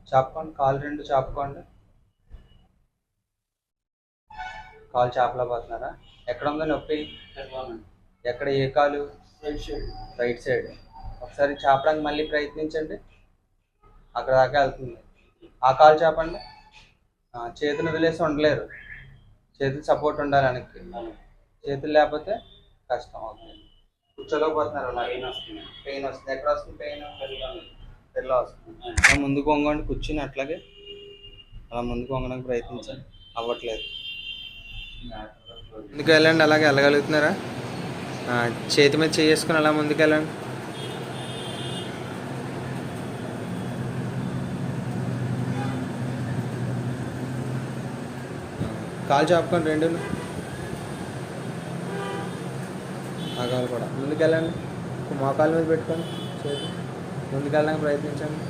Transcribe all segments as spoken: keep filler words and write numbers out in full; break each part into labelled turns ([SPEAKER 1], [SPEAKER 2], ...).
[SPEAKER 1] చాపుకోండి, కాలు రెండు చాపుకోండి. కాలు చాపలేకపోతున్నారా? ఎక్కడ ఉందో నొప్పి? ఎక్కడ, ఏ కాలు? Right side. ఒకసారి చాపడానికి మళ్ళీ ప్రయత్నించండి. అక్కడ దాకా వెళ్తుంది. ఆ కాలు చాపండి. చేతులు వదిలేసి ఉండలేరు, చేతులు సపోర్ట్ ఉండాలి వెనక్కి. చేతులు లేకపోతే కష్టం అవుతుంది. కూర్చోలేకపోతున్నారు. అలా పెయిన్ వస్తుంది. పెయిన్ వస్తుంది. ఎక్కడ వస్తుంది పెయిన్? పెళ్ళి వస్తుంది. అలా ముందుకు వంగండి, కూర్చుని అట్లాగే అలా ముందుకు వంగడానికి ప్రయత్నించండి. అవ్వట్లేదు. ముందుకు వెళ్ళండి. అలాగే వెళ్ళగలుగుతున్నారా? చేతి మీద చేసుకుని అలా ముందుకు వెళ్ళండి. కాలు చాపుకొని రెండు ఆ కాలు కూడా ముందుకెళ్ళండి. మోకాళ్ళ మీద పెట్టుకొని చేతి ముందుకెళ్ళడానికి ప్రయత్నించండి.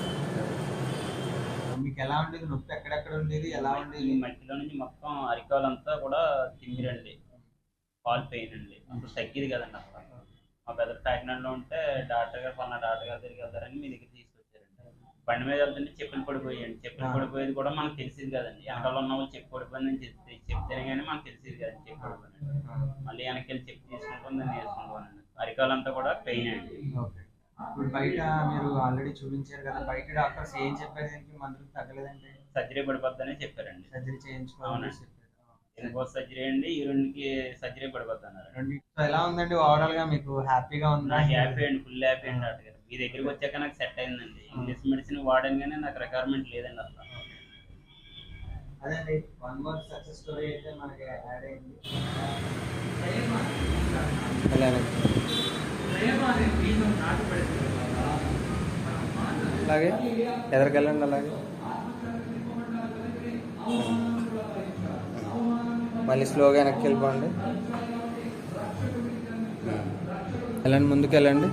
[SPEAKER 1] మీకు ఎలా ఉండేది? నొప్పి ఎక్కడెక్కడ ఉండేది? ఎలా ఉండేది?
[SPEAKER 2] మట్టిలో నుంచి మొత్తం అరికాలంతా కూడా తిమ్మిరండి, కాల్ పెయిన్ అండి. అప్పుడు తగ్గేది కదండి. అసలు మా బ్రదర్ కాకినాడలో ఉంటే డాక్టర్ గారు పలానా డాక్టర్ గారి దగ్గరికి వెళ్తారని మీ దగ్గర తీసుకొచ్చారండి. బండి మీద వెళ్తుంటే చెప్పులు పడిపోయాయండి. చెప్పులు పడిపోయేది కూడా మనకు తెలిసింది కదండి. వెనకాల ఉన్న వాళ్ళు చెప్పు పడిపోయిందని చెప్తే చెప్తేనే కానీ మనకు తెలిసింది కదండి చెప్పు పడిపోయింది. మళ్ళీ వెనక్కి వెళ్ళి చెప్పు తీసుకుంటాం, దాన్ని వేసుకుంటామండి. అరికాలంతా కూడా పెయిన్ అండి.
[SPEAKER 1] ఇప్పుడు బయట మీరు ఆల్రెడీ చూపించారు కదా, బయట డాక్టర్స్ ఏం చెప్పారు? దీనికి మందులు తగ్గలేదంటే
[SPEAKER 2] సర్జరీ పడిపోద్దని చెప్పారండి.
[SPEAKER 1] సర్జరీ చేయించుకోవాలని చెప్పారు.
[SPEAKER 2] ఎన్నికోస్ సర్జరీ అండి, ఈ రెండుకి సర్జరీ పడిపోద్ది అన్నారు.
[SPEAKER 1] ఎలా ఉందండి ఓవరాల్ గా? మీకు హ్యాపీగా ఉందా?
[SPEAKER 2] నాకు హ్యాపీ అండి, ఫుల్ హ్యాపీ అండి. డాక్టర్ గారు మీ దగ్గరికి వచ్చాక నాకు సెట్ అయిందండి. ఇంగ్లీష్ మెడిసిన్ వాడాను కానీ నాకు రిక్వైర్మెంట్ లేదండి అసలు.
[SPEAKER 1] అదండి వన్ మోర్ సక్సెస్ స్టోరీ అయితే మనకి యాడ్ అయింది. అలాగే ఎదరికెళ్ళండి. అలాగే మళ్ళీ స్లోగా వెనక్కి వెళ్ళిపోండి. వెళ్ళండి, ముందుకు వెళ్ళండి.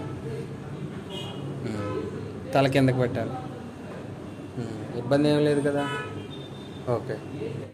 [SPEAKER 1] తల కిందకి పెట్టాలి. ఇబ్బంది ఏం లేదు కదా? ఓకే.